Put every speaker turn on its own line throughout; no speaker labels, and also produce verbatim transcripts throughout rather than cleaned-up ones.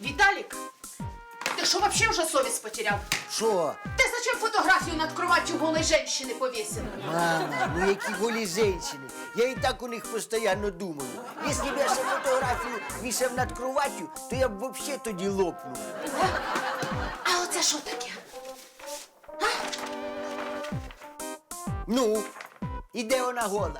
Виталик, ты что, вообще уже совесть потерял?
Що?
Ты зачем фотографию над кроватью голой женщины повесил?
Мама, ну які голі женщини. Я і так у них постійно думаю. Якщо б я ще фотографію вішав над кроваттю, то я б взагалі тоді лопнув.
А оце що таке?
Ну, і де вона гола?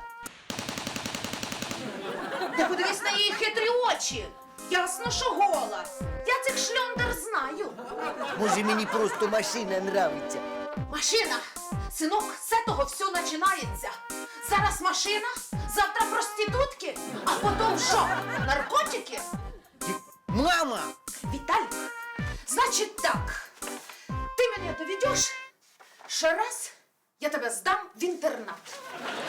Ти подивись на її хитрі очі. Ясно, що гола. Я цих шльондер знаю.
Може, мені просто машина нравиться.
Машина, синок, з цього все починається. Зараз машина, завтра проститутки, а потім що? Наркотики?
Мама!
Виталик, значит так, ты меня доведешь, ще раз я тебя сдам в интернат.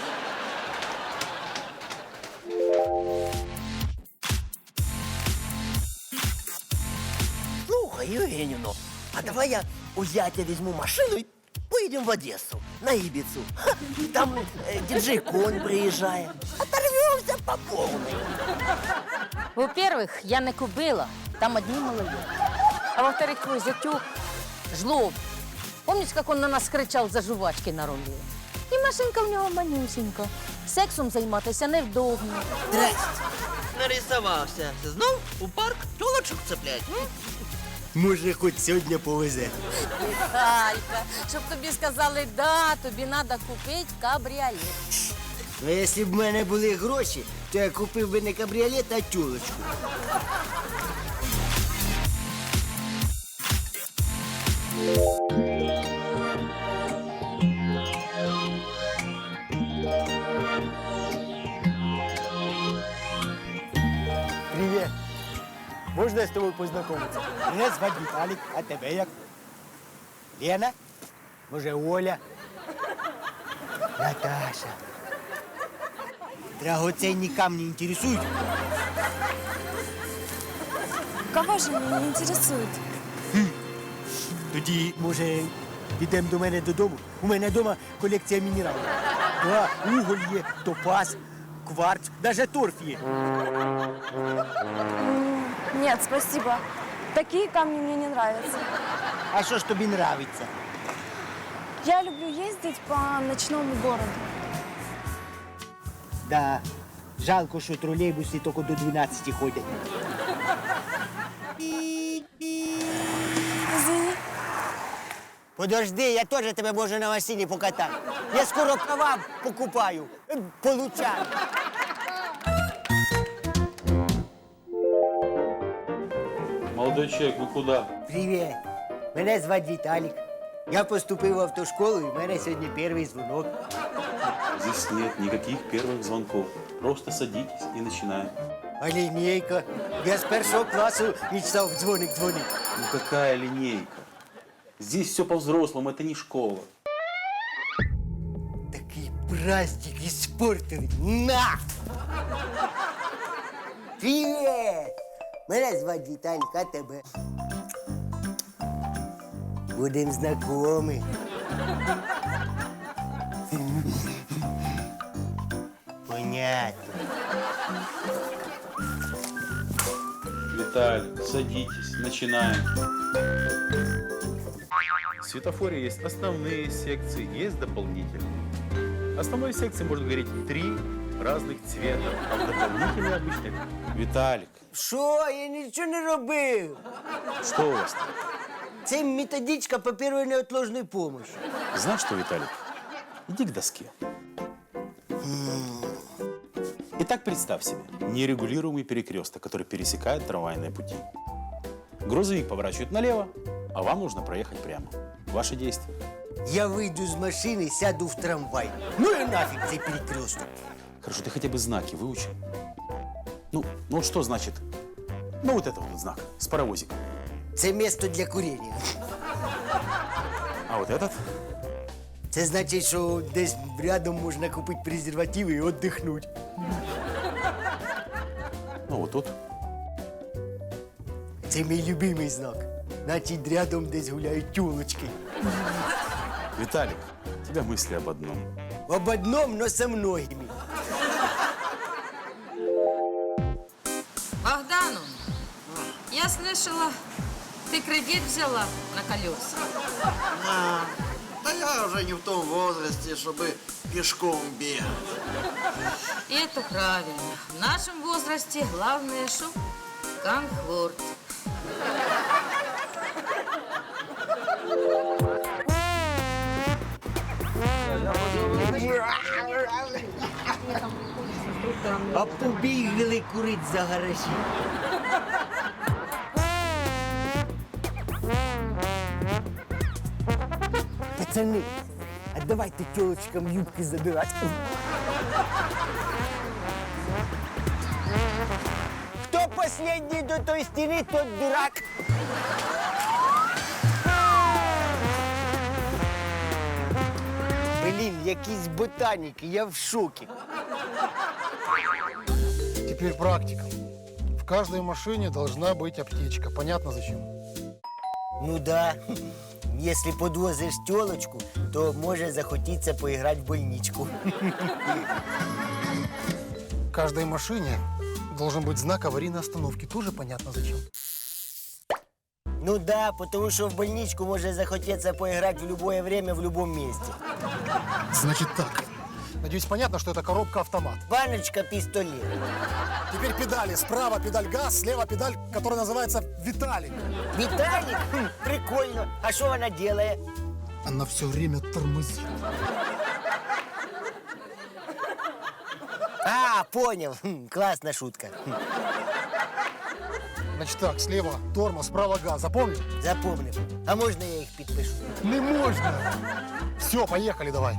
Слухай, Євгенівно, а давай я у зятя візьму машину і поїдемо в Одесу, на Ібіцу. Ха, там е, діджей Конь приїжджає. Оторвемося по повній.
Во-первых, я не кобила, там одни малолетки. А во-вторых, твой зятюк жлоб. Помнишь, как он на нас кричав за жувачки на рулі? І машинка в нього манюсінька. Сексом займатися невдобно.
Здрасте. Нарисувався. Знов у парк тілочок цеплять.
Може, хоч сьогодні повезе.
Віталька, щоб тобі сказали, да, тобі треба купити кабріолет.
Ну, якщо б в мене були гроші, то я купив би не кабріолет, а тюлочку.
Привет. Можно я с тобой познакомиться? Меня зовут Виталик, а тебя як? Лена? Може, Оля? Наташа. Драгоценні камні інтересують?
Кого же меня не интересует?
Тоді, може, підемо до мене додому? У мене вдома колекція мінералів. Да, уголь є, топаз, кварц, навіть торф є.
Нет, спасибо. Такие камни мне не нравятся.
А що ж тобі нравиться?
Я люблю ездить по ночному городу.
Да, жалко, що тролейбуси тільки до дванадцяти ходять.
Извини.
Подожди, я теж тебе можу на машині покатати. Я скоро права покупаю, е, получаю.
Молодой человек, вы куда?
Привіт. Мене звати Віталік. Я поступив в автошколу, і в мене сьогодні перший дзвонок.
Здесь нет никаких первых звонков. Просто садитесь и начинаем.
А лінійка. Я з першого класу мечтав дзвоник дзвонити.
Ну какая линейка? Здесь все по-взрослому, это не школа.
Такий праздник іспортили. На! Привіт! Мене звати Віталік, а тебе? Будем знайомі. Понятно.
Виталик, садитесь, начинаем. В светофоре есть основные секции, есть дополнительные. Основной секции может гореть три разных цвета, а в дополнительной обычной... Виталик,
Що? Я нічого не робив.
что у вас там?
Це методичка по першої неотложної помощи.
Знаешь что, Виталик? Иди к доске. Итак, представь себе нерегулируемый перекресток, который пересекает трамвайные пути. Грузовик поворачивает налево, а вам нужно проехать прямо. Ваши действия.
Я вийду з машини, сяду в трамвай. Ну і нафіг цей перекресток.
Хорошо, ты хотя бы знаки выучил? Ну, ну что значит? Ну вот это вот знак с паровозиком.
Це місто для курення.
А вот этот?
Це значить, що десь рядом можна купити презервативи і віддихнути.
Ну вот тут.
Це мій любимий знак. Значить, рядом десь гуляють тюлочки.
Виталик, у тебя мысли об одном.
Об одном, но со многими.
Богдану, я
слышала, ты кредит взяла на колеса.
А, да я уже не в том возрасте, чтобы пешком бегать.
И это правильно. В нашем возрасте главное, что комфорт.
А побігли курить за гаражі. Пацани, а давайте тілочкам юбки задирати. Хто последній до той стіни, тот дурак. Блін, якісь ботаніки, я в шокі.
Теперь практика. В каждой машине должна быть аптечка. Понятно зачем?
Ну да. Если подвозишь телочку, то може захотіться поіграти в больничку.
В каждой машине должен быть знак аварийной остановки. Тоже понятно зачем?
Ну да, потому що в больничку може захотіться поіграти в любое время, в любом месте.
Значит так. Надеюсь, понятно, что это коробка-автомат.
Баночка, пистолет.
Теперь педали. Справа педаль газ, слева педаль, которая называется Виталик.
Виталик? Хм, прикольно. А що вона делает?
Она все время тормозит.
А, понял. Хм, классная шутка. Хм,
Значит так, слева тормоз, справа газ. Запомнил?
запомнив. А можна я їх підпишу?
Не можно. Все, поехали давай.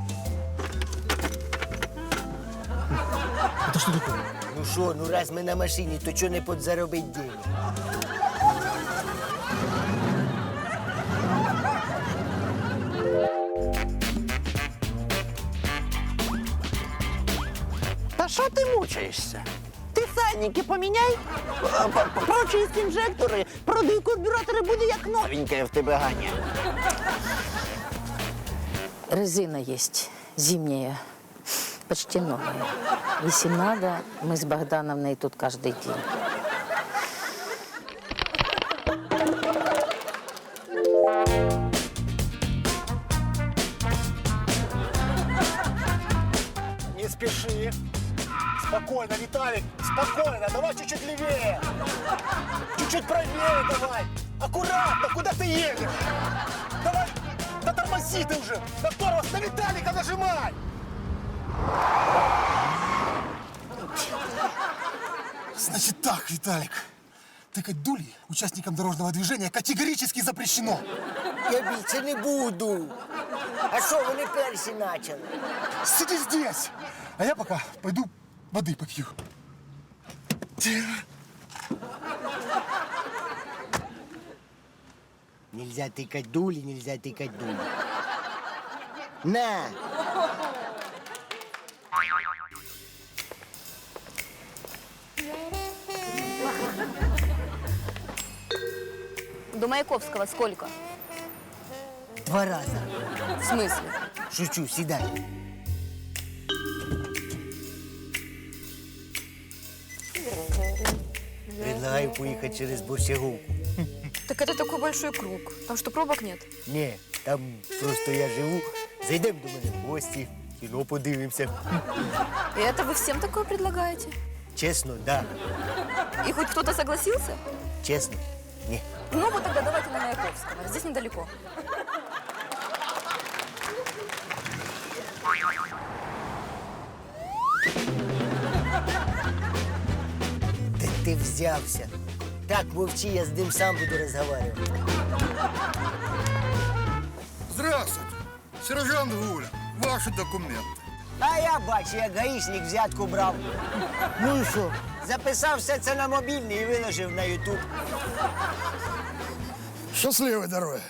Это что такое?
Ну що, ну раз ми на машині, то чого не подзаробить денег?
Та що ти мучаєшся? Ти сальники поміняй, а, по- прочисть інжектори, продуй карбюратори, буде як новеньке в тебе Ганя.
Резина есть зимняя, почти новая. Если надо, мы с Богдановной тут каждый день.
Не спеши. Спокойно, Виталик, спокойно. Давай чуть-чуть левее. Чуть-чуть правее давай. Аккуратно, куда ты едешь? Давай, да тормози ты уже. На тормоз, на Виталика нажимай. Значит так, Виталик. Тыкать дули участникам дорожного движения категорически запрещено.
Я більше не буду. А що, вони перші почали?
Сиди здесь, а я пока пойду воды попью.
Нельзя тыкать дули, нельзя тыкать дули. На!
До Маяковского сколько?
Два раза.
В смысле?
Шучу, сідай. Предлагаю поїхати через Борщаговку.
Так это такой большой круг. Там что, пробок нет?
Ні, там просто я живу. Зайдемо до мене в гості, кіно подивимося.
И это вы всем такое предлагаете?
Чесно, да.
И хоть кто-то согласился?
Чесно, ні.
Ну вот тогда давайте на Маяковского. Здесь недалеко.
Де ти взявся? Так, мовчи, я з ним сам буду розмовляти.
Здравствуйте, сержант Гуля. Ваши документы.
А я бачу, як гаїшник взятку брав. Ну і що? Записав все це на мобільний і виложив на Ютуб.
Счастливой дороги.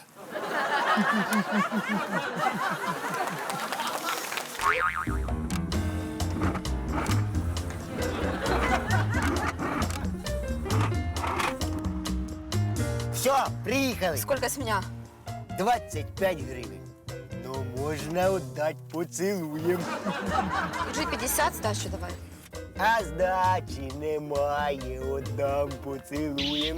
Все, приїхали.
Сколько с меня?
двадцять п'ять гривень. Ну, можна віддати поцілуєм.
джи пятьдесят сдачу давай.
А здачі немає, отдам поцілуєм.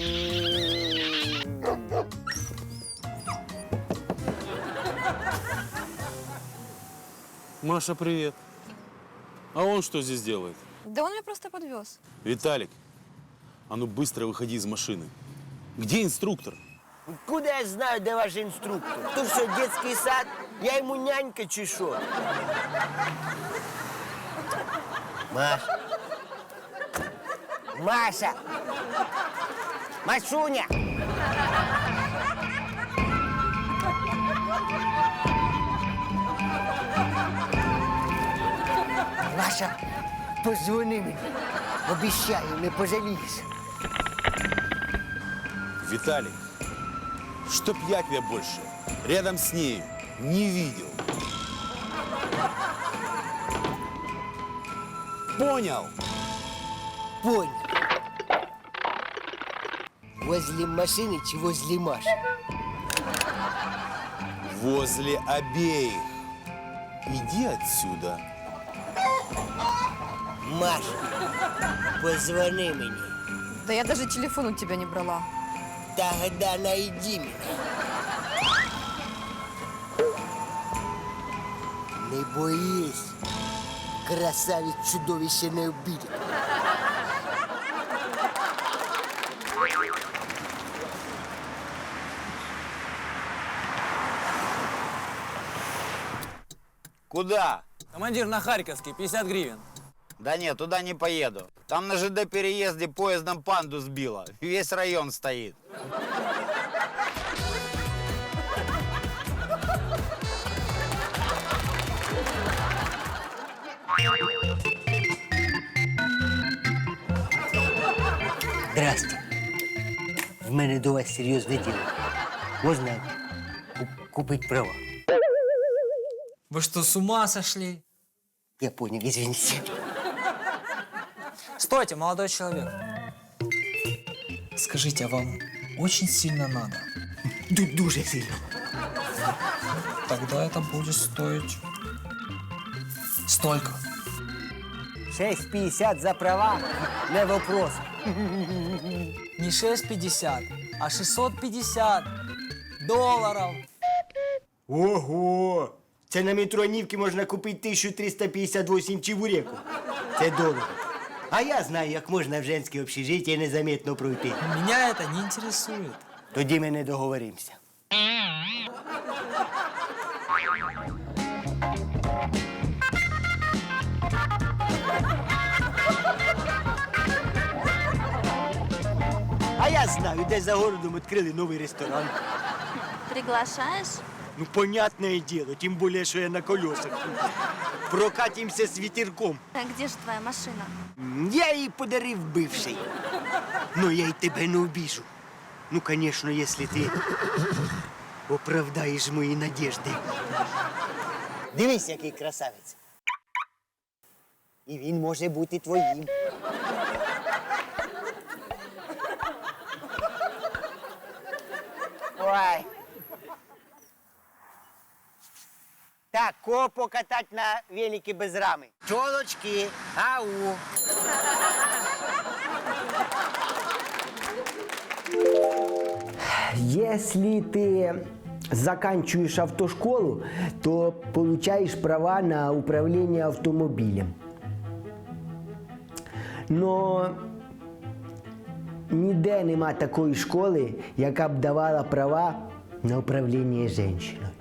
Маша, привет. А он что здесь делает?
Да он меня просто подвез.
Виталик, а ну быстро выходи из машины. Где инструктор?
Куда я знаю, де ваш інструктор? То що, дитячий сад? Я йому нянька чи що? Маша. Маша! Машуня! Маша, позвони мені. Обіцяю, не пожалієш.
Виталик, чтоб я тебя больше рядом с ней не видел. Понял?
Понял. Возле машины чи возле Маши?
Возле обеих. Иди отсюда.
Маша, позвони мені.
Да я даже телефон у тебя не брала.
Тогда найди меня. Не боись. Красавець чудовище не обидит.
Куда?
Командир, на Харьковский, пятьдесят гривен.
Да нет, туда не поеду. Там на ЖД переезде поездом панду сбило. Весь район стоит.
Здрасте. В мене до вас серйозне діло. Можна ку- купити права?
Вы что, с ума сошли?
Я понял, извините.
Стойте, молодой человек. Скажите, а вам очень сильно надо?
Ду- Дуже сильно.
Тогда это будет стоить столько.
шесть п'ятдесят за права – не вопрос.
Не шесть пятьдесят, а шестьсот пятьдесят долларов.
Ого! Це на метронівки можна купити тисячу триста п'ятдесят вісім чебуреків. Це дорого. А я знаю, як можна в женське общежиття незаметно пройти.
Меня это не интересует.
Тоді ми не договоримося. А я знаю, де за городом відкрили новий ресторан.
Приглашаешь?
Ну, понятное дело, тем более, что я на колесах. Прокатимся с ветерком.
А где же твоя машина?
Я її подарив бивший. Но я й тебе не обіжу. Ну, конечно, если ти оправдаєш мої надежди. Дивись, який красавець. І він може бути твоїм. Ой. Так, кого покатать на велике без рами? Чолочки, ау. Если ты заканчиваешь автошколу, то получаешь права на управление автомобилем. Но ніде нема такої школи, яка б давала права на управління жінкою.